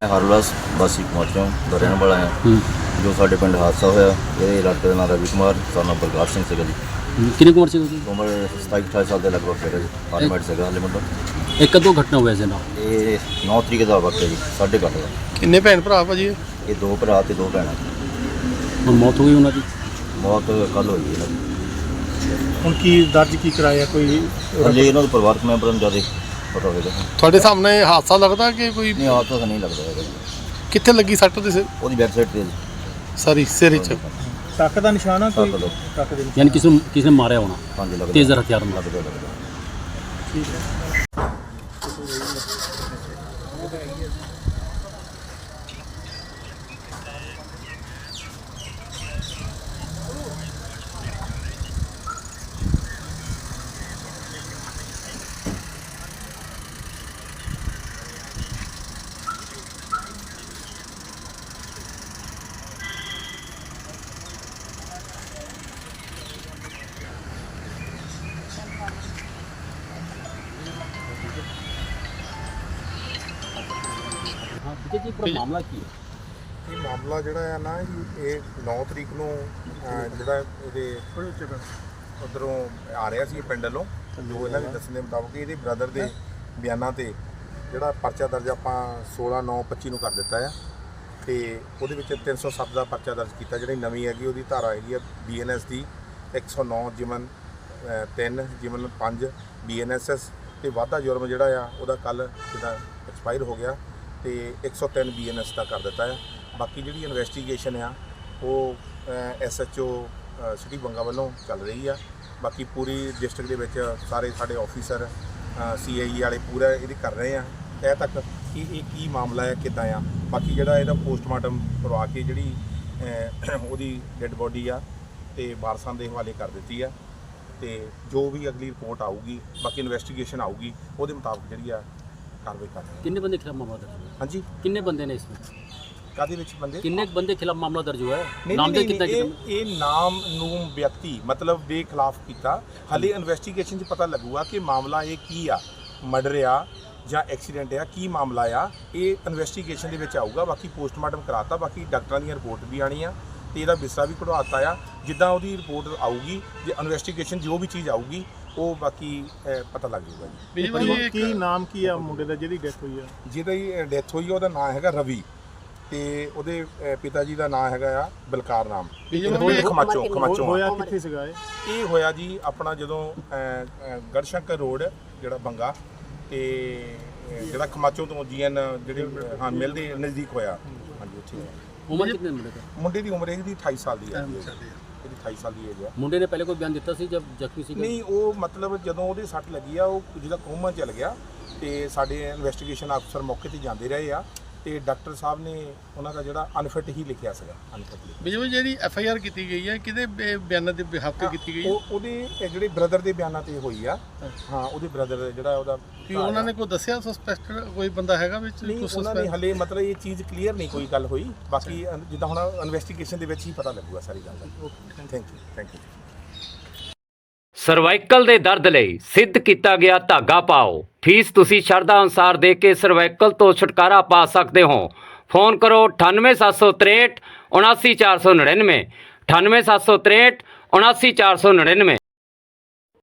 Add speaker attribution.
Speaker 1: ਹਰਵਿਲਾਸ ਵਾਸੀ ਕਮਾਚੋਂ ਦਾ ਰਹਿਣ ਵਾਲਾ ਹਾਂ। ਜੋ ਸਾਡੇ ਪਿੰਡ ਹਾਦਸਾ ਹੋਇਆ, ਇਹ ਲੜਕੇ ਦਾ ਨਾਮ ਰਵੀ ਕੁਮਾਰ ਸਾਨੂੰ ਪ੍ਰਕਾਸ਼ ਸਿੰਘ ਸੀਗਾ ਜੀ।
Speaker 2: ਕਿੰਨੀ ਕੁ ਉਮਰ ਸੀ ਉਹਦੀ?
Speaker 1: ਉਮਰ 27-28 ਸਾਲ ਦੇ ਲਗਭਗ ਸੀਗਾ ਜੀ। ਫਾਰਮੈਟ ਸੀਗਾ ਹਾਲੇ ਮੁੰਡਾ।
Speaker 2: ਇਹ ਕਦੋਂ ਘਟਨਾ ਹੋਇਆ ਸੀ ਨਾ?
Speaker 1: ਇਹ 9 ਤਰੀਕ ਦਾ ਵਕਤ ਹੈ ਜੀ, 8:30 ਦਾ।
Speaker 3: ਕਿੰਨੇ ਭੈਣ ਭਰਾ ਭਾਜੀ ਇਹ?
Speaker 1: ਇਹ 2 ਭਰਾ ਤੇ 2 ਭੈਣਾਂ।
Speaker 2: ਹੁਣ ਮੌਤ ਹੋ ਗਈ ਉਹਨਾਂ ਦੀ?
Speaker 1: ਮੌਤ ਕੱਲ੍ਹ ਹੋਈ ਇਹਨਾਂ ਦੀ।
Speaker 4: ਹੁਣ ਕੀ ਦਰਜ ਕੀ ਕਰਾਇਆ ਕੋਈ?
Speaker 1: ਹਾਲੇ ਇਹਨਾਂ ਦੇ ਪਰਿਵਾਰਕ ਮੈਂਬਰਾਂ ਨੂੰ ਜ਼ਿਆਦਾ ਪਤਾ ਹੋਵੇਗਾ।
Speaker 3: ਤੁਹਾਡੇ ਸਾਹਮਣੇ ਹਾਦਸਾ ਲੱਗਦਾ ਕਿ ਕੋਈ
Speaker 1: ਨਹੀਂ, ਆਪ ਤਾਂ ਨਹੀਂ ਲੱਗਦਾ ਹੈਗਾ ਜੀ।
Speaker 3: ਕਿੱਥੇ ਲੱਗੀ ਸੱਟ ਉਹਦੇ ਸਿਰ?
Speaker 1: ਉਹਦੀ ਬੈਕ ਸਾਈਡ ਤੇ
Speaker 3: ਸਾਰੀ ਸਿਰ 'ਚ?
Speaker 4: ਟੱਕ ਦਾ ਨਿਸ਼ਾਨ ਆ ਕੋਈ?
Speaker 1: ਟੱਕ ਦਾ।
Speaker 4: ਟੱਕ ਦੇ ਨਿਸ਼ਾਨ।
Speaker 2: ਯਾਨੀ ਕਿਸੇ ਨੇ ਮਾਰਿਆ ਹੋਣਾ
Speaker 1: ਹਾਂਜੀ ਲੱਗਦਾ।
Speaker 2: ਤੇਜ਼ ਹਥਿਆਰ ਨਾਲ।
Speaker 1: ਲੱਗਦਾ।
Speaker 4: ਠੀਕ ਹੈ।
Speaker 2: ਹਾਂ ਵਿਜੇ ਜੀ, ਪੂਰਾ ਮਾਮਲਾ ਕੀ ਹੈ?
Speaker 5: ਇਹ ਮਾਮਲਾ ਜਿਹੜਾ ਆ ਨਾ ਜੀ, ਇਹ 9 ਤਰੀਕ ਨੂੰ ਜਿਹੜਾ ਇਹਦੇ ਉੱਧਰੋਂ ਆ ਰਿਹਾ ਸੀ ਪਿੰਡ ਵੱਲੋਂ, ਜੋ ਇਹਨਾਂ ਦੇ ਦੱਸਣ ਦੇ ਮੁਤਾਬਕ ਇਹਦੇ ਬ੍ਰਦਰ ਦੇ ਬਿਆਨਾਂ ਤੇ ਜਿਹੜਾ ਪਰਚਾ ਦਰਜ ਆਪਾਂ 16/9/25 ਨੂੰ ਕਰ ਦਿੱਤਾ ਆ। ਤੇ ਉਹਦੇ ਵਿੱਚ 307 ਦਾ ਪਰਚਾ ਦਰਜ ਕੀਤਾ। ਜਿਹੜੀ ਨਵੀਂ ਹੈਗੀ ਉਹਦੀ ਧਾਰਾ ਹੈਗੀ ਆ BNS ਦੀ 109 ਜਿਮਨ 3 ਜਿਮਨ 5 BNSS ਤੇ ਵਾਧਾ ਜੁਰਮ ਜਿਹੜਾ ਆ ਉਹਦਾ ਕੱਲ੍ਹ ਜਿਹਦਾ ਐਕਸਪਾਇਰ ਹੋ ਗਿਆ ਤੇ 103 BNS ਦਾ ਕਰ ਦਿੱਤਾ ਆ। ਬਾਕੀ ਜਿਹੜੀ ਇਨਵੈਸਟੀਗੇਸ਼ਨ ਆ ਉਹ SHO ਸਿਟੀ ਬੰਗਾ ਵੱਲੋਂ ਚੱਲ ਰਹੀ ਆ। ਬਾਕੀ ਪੂਰੀ ਡਿਸਟ੍ਰਿਕਟ ਦੇ ਵਿੱਚ ਸਾਰੇ ਸਾਡੇ ਆਫੀਸਰ CIE ਵਾਲੇ ਪੂਰਾ ਇਹਦੀ ਕਰ ਰਹੇ ਆ ਤਹਿ ਤੱਕ ਕਿ ਇਹ ਕੀ ਮਾਮਲਾ ਹੈ, ਕਿੱਦਾਂ ਆ। ਬਾਕੀ ਜਿਹੜਾ ਇਹਦਾ ਪੋਸਟਮਾਰਟਮ ਕਰਵਾ ਕੇ ਜਿਹੜੀ ਉਹਦੀ ਡੈੱਡ ਬੋਡੀ ਆ ਤੇ ਵਾਰਸਾਂ ਦੇ ਹਵਾਲੇ ਕਰ ਦਿੱਤੀ ਆ। ਤੇ ਜੋ ਵੀ ਅਗਲੀ ਰਿਪੋਰਟ ਆਊਗੀ, ਬਾਕੀ ਇਨਵੈਸਟੀਗੇਸ਼ਨ ਆਊਗੀ, ਉਹਦੇ ਮੁਤਾਬਕ ਜਿਹੜੀ ਆ ਕਾਰਵਾਈ ਕਰ ਰਹੇ।
Speaker 2: ਕਿੰਨੇ ਬੰਦੇ ਖਿਲਾਫ ਮਾਮਲਾ ਦਰਜ ਹੋਇਆ?
Speaker 5: ਹਾਂਜੀ,
Speaker 2: ਕਿੰਨੇ ਬੰਦੇ ਨੇ इसमें?
Speaker 5: ਕਾਹਦੇ ਵਿੱਚ ਬੰਦੇ?
Speaker 2: ਕਿੰਨੇ ਬੰਦੇ ਖਿਲਾਫ ਮਾਮਲਾ ਦਰਜ ਹੋਇਆ ਹੈ?
Speaker 5: ਨਹੀਂ,
Speaker 2: ਨਾਮ ਦੇ
Speaker 5: ਨਹੀਂ,
Speaker 2: ਕਿੰਨਾ
Speaker 5: ਇਹ ਨਾਮ ਨੂੰ ਵਿਅਕਤੀ ਮਤਲਬ ਦੇ ਖਿਲਾਫ ਕੀਤਾ। ਹਾਲੇ ਇਨਵੈਸਟੀਗੇਸ਼ਨ 'ਚ ਪਤਾ ਲੱਗੂਗਾ ਕਿ ਮਾਮਲਾ ਇਹ ਕੀ ਆ, ਮਰਡਰ ਆ ਜਾਂ ਐਕਸੀਡੈਂਟ ਆ, ਕੀ ਮਾਮਲਾ ਆ। ਇਹ ਇਨਵੈਸਟੀਗੇਸ਼ਨ ਦੇ ਵਿੱਚ ਆਊਗਾ। ਬਾਕੀ ਪੋਸਟਮਾਰਟਮ ਕਰਾਤਾ, ਬਾਕੀ ਡਾਕਟਰਾਂ ਦੀਆਂ ਰਿਪੋਰਟ ਵੀ ਆਣੀ ਆ ਤੇ ਇਹਦਾ ਬਿਸਤਰਾ ਵੀ ਕਢਵਾਤਾ ਆ। ਜਿੱਦਾਂ ਉਹਦੀ ਰਿਪੋਰਟ ਆਊਗੀ, ਜੇ ਇਨਵੈਸਟੀਗੇਸ਼ਨ ਜੋ ਵੀ ਚੀਜ਼ ਆਊਗੀ ਉਹ ਬਾਕੀ ਪਤਾ ਲੱਗ ਜਾਊਗਾ ਜੀ।
Speaker 4: ਕੀ ਨਾਮ ਕੀ ਆ ਮੁੰਡੇ ਦਾ ਜਿਹਦੀ ਡੈਥ ਹੋਈ ਆ?
Speaker 5: ਜਿਹਦੀ ਡੈਥ ਹੋਈ ਉਹਦਾ ਨਾਮ ਹੈਗਾ ਰਵੀ ਤੇ ਉਹਦੇ ਪਿਤਾ ਜੀ ਦਾ ਨਾਮ ਹੈਗਾ ਆ ਬਲਕਾਰ ਨਾਮ। ਖਮਾਚੋਂ
Speaker 4: ਹੋਇਆ ਕਿੱਥੇ ਸੀਗਾ ਇਹ?
Speaker 5: ਇਹ ਹੋਇਆ ਜੀ ਆਪਣਾ ਜਦੋਂ ਗੜਸ਼ੰਕਰ ਰੋਡ ਜਿਹੜਾ ਬੰਗਾ ਤੇ ਜਿਹੜਾ ਖਮਾਚੋਂ ਤੋਂ GN ਜਿਹੜੇ ਹਾਂ ਮਿਲਦੇ ਨਜ਼ਦੀਕ ਹੋਇਆ। ਹਾਂਜੀ ਉੱਥੇ ਹੋਇਆ।
Speaker 2: ਉਮਰ ਕਿੰਨੇ ਮੁੰਡੇ ਦਾ?
Speaker 5: ਮੁੰਡੇ ਦੀ ਉਮਰ ਇਹਦੀ 28 ਸਾਲ ਦੀ ਹੈ। ਇਹਦੀ 28 ਸਾਲ ਦੀ ਏਜ ਆ।
Speaker 2: ਮੁੰਡੇ ਨੇ ਪਹਿਲੇ ਕੋਈ ਬਿਆਨ ਦਿੱਤਾ ਸੀ ਜਦ ਜ਼ਖਮੀ ਸੀ?
Speaker 5: ਨਹੀਂ, ਉਹ ਮਤਲਬ ਜਦੋਂ ਉਹਦੇ ਸੱਟ ਲੱਗੀ ਆ ਉਹ ਜਿਹਦਾ ਕੋਮਾ ਚਲ ਗਿਆ ਤੇ ਸਾਡੇ ਇਨਵੈਸਟੀਗੇਸ਼ਨ ਅਫਸਰ ਮੌਕੇ ਤੇ ਜਾਂਦੇ ਰਹੇ ਆ ਤੇ ਡਾਕਟਰ ਸਾਹਿਬ ਨੇ ਉਹਨਾਂ ਦਾ ਜਿਹੜਾ ਅਨਫਿਟ ਹੀ ਲਿਖਿਆ ਸੀਗਾ। ਅਨਫਿਟ
Speaker 3: ਬਿਜੂ ਜਿਹੜੀ FIR ਕੀਤੀ ਗਈ ਹੈ ਕਿਹਦੇ ਬਿਆਨਾਂ ਦੇ ਬਿਹਾਫ ਤੇ ਕੀਤੀ ਗਈ ਹੈ?
Speaker 5: ਉਹਦੇ ਜਿਹੜੇ ਬ੍ਰਦਰ ਦੇ ਬਿਆਨਾਂ ਤੇ ਹੋਈ ਆ। ਹਾਂ, ਉਹਦੇ ਬ੍ਰਦਰ ਜਿਹੜਾ ਉਹਦਾ
Speaker 3: ਕਿ ਉਹਨਾਂ ਨੇ ਕੋਈ ਦੱਸਿਆ ਸਸਪੈਕਟਡ ਕੋਈ ਬੰਦਾ ਹੈਗਾ ਵਿੱਚ?
Speaker 5: ਨਹੀਂ, ਉਹਨਾਂ ਨੇ ਹਲੇ ਮਤਲਬ ਇਹ ਚੀਜ਼ ਕਲੀਅਰ ਨਹੀਂ ਕੋਈ ਗੱਲ ਹੋਈ। ਬਾਕੀ ਜਿੱਦਾਂ ਹੁਣ ਇਨਵੈਸਟੀਗੇਸ਼ਨ ਦੇ ਵਿੱਚ ਹੀ ਪਤਾ ਲੱਗੂਗਾ ਸਾਰੀ ਗੱਲ ਦਾ। Thank you.
Speaker 6: ਸਰਵਾਈਕਲ ਦੇ ਦਰਦ ਲਈ ਸਿੱਧ ਕੀਤਾ ਗਿਆ ਧਾਗਾ ਪਾਓ। ਫੀਸ ਤੁਸੀਂ ਸ਼ਰਧਾ ਅਨੁਸਾਰ ਦੇ ਕੇ ਸਰਵਾਈਕਲ ਤੋਂ ਛੁਟਕਾਰਾ ਪਾ ਸਕਦੇ ਹੋ। ਫੋਨ ਕਰੋ 98763 79499 98763 79499।